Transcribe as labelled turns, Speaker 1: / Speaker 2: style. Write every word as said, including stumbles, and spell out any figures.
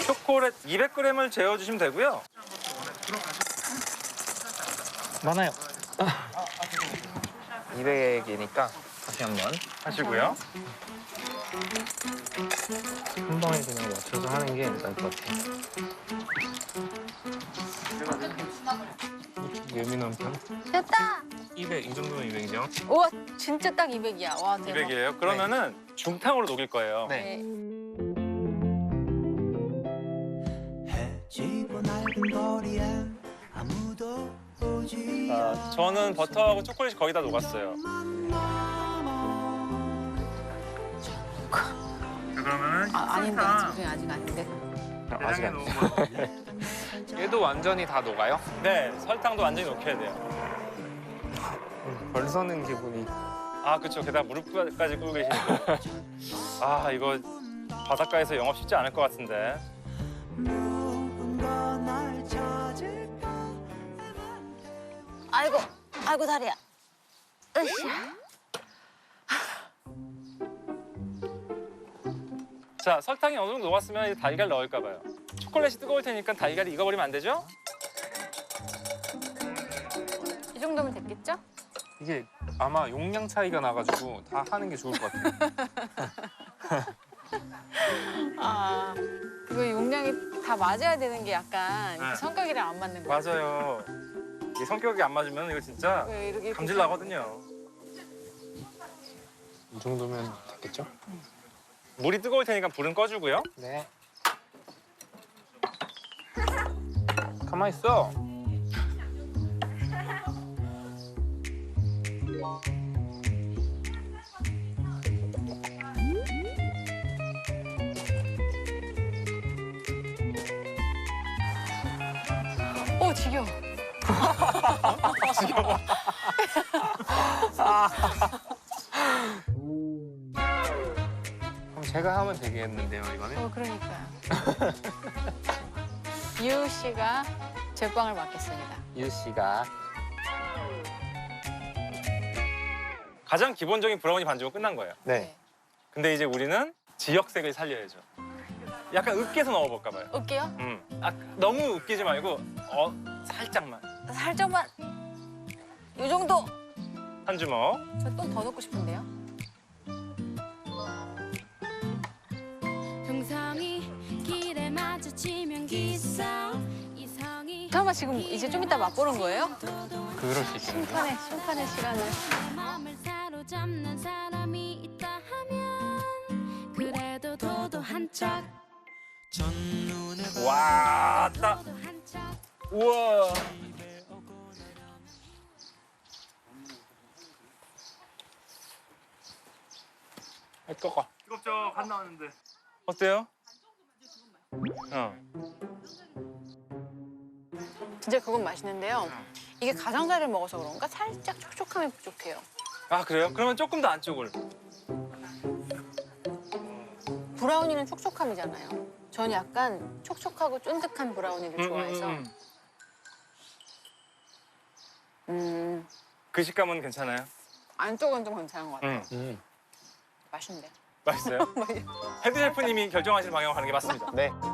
Speaker 1: 초콜릿 이백 그램을 재워주시면 되고요.
Speaker 2: 많아요. 이백이니까 다시 한번
Speaker 1: 하시고요.
Speaker 2: 한 방에 그냥 맞춰서 하는 게 나을 것 같아요. 예민한 편?
Speaker 3: 됐다.
Speaker 2: 이백, 이 정도면 이백이죠?
Speaker 3: 우와, 진짜 딱 이백이야. 와, 대박.
Speaker 1: 이백이에요. 그러면은 중탕으로 녹일 거예요.
Speaker 2: 네.
Speaker 4: 해지고 낡은 거리엔 아무도 오지
Speaker 1: 자, 저는 버터하고 초콜릿이 거의 다 녹았어요. 그러면은
Speaker 3: 아, 아닌데, 아직, 아직 아닌데.
Speaker 2: 아직 안 얘도 완전히 다 녹아요?
Speaker 1: 네, 설탕도 완전히 녹여야 돼요.
Speaker 2: 벌 서는 기분이.
Speaker 1: 아, 그렇죠. 게다가 무릎까지 꿇고 계시니까. 아, 이거 바닷가에서 영업 쉽지 않을 것 같은데.
Speaker 4: 누군가 날 찾을까
Speaker 3: 아이고, 아이고, 다리야. 으쌰.
Speaker 1: 자, 설탕이 어느 정도 녹았으면 이제 달걀 넣을까 봐요. 초콜릿이 뜨거울 테니까 달걀이 익어버리면 안 되죠?
Speaker 3: 이 정도면 됐겠죠?
Speaker 2: 이게 아마 용량 차이가 나가지고 다 하는 게 좋을 것 같아요.
Speaker 3: 아, 이거 용량이 다 맞아야 되는 게 약간
Speaker 1: 네.
Speaker 3: 성격이랑 안 맞는 거야.
Speaker 1: 맞아요. 이 성격이 안 맞으면 이거 진짜
Speaker 3: 왜 이렇게
Speaker 1: 감질 나거든요.
Speaker 2: 이 정도면 됐겠죠?
Speaker 1: 물이 뜨거울 테니까 불은 꺼주고요.
Speaker 2: 네. 가만 있어.
Speaker 3: 오, 지겨워.
Speaker 1: 지겨워.
Speaker 2: 그럼 제가 하면 되겠는데요, 이거는?
Speaker 3: 어, 그러니까요. 유 씨가 제빵을 맡겠습니다.
Speaker 2: 유 씨가.
Speaker 1: 가장 기본적인 브라우니 반죽은 끝난 거예요.
Speaker 2: 네.
Speaker 1: 근데 이제 우리는 지역색을 살려야죠. 약간 으깨서 넣어볼까 봐요.
Speaker 3: 올게요.
Speaker 1: 음. 아, 너무 으깨지 말고 어, 살짝만.
Speaker 3: 살짝만. 이 정도.
Speaker 1: 한 주먹.
Speaker 3: 저 또 더 넣고 싶은데요.
Speaker 5: 형상이 길에 마주치면 기싸 이성이
Speaker 3: 잠깐만, 지금 이제 좀 이따 맛보는 거예요?
Speaker 2: 그럴 수 있겠는데.
Speaker 3: 심판의, 심판의 시간을.
Speaker 5: 마음을 사로잡는 사람이 있다 하면 그래도 도도한 척
Speaker 4: 첫눈에
Speaker 1: 와, 따.
Speaker 5: 도도한 척
Speaker 1: 우와. 아, 뜨거. 뜨겁죠? 간 나왔는데. 어때요? 어.
Speaker 3: 진짜 그건 맛있는데요. 이게 가장자리를 먹어서 그런가 살짝 촉촉함이 부족해요.
Speaker 1: 아, 그래요? 그러면 조금 더 안쪽을.
Speaker 3: 브라우니는 촉촉함이잖아요. 저는 약간 촉촉하고 쫀득한 브라우니를
Speaker 1: 음,
Speaker 3: 좋아해서.
Speaker 1: 음, 음.
Speaker 3: 음,
Speaker 1: 그 식감은 괜찮아요?
Speaker 3: 안쪽은 좀 괜찮은 것 같아요.
Speaker 1: 음.
Speaker 2: 음.
Speaker 3: 맛있는데.
Speaker 1: 맛있어요? 헤드 셰프님이 결정하실 방향으로 가는 게 맞습니다.
Speaker 2: 네.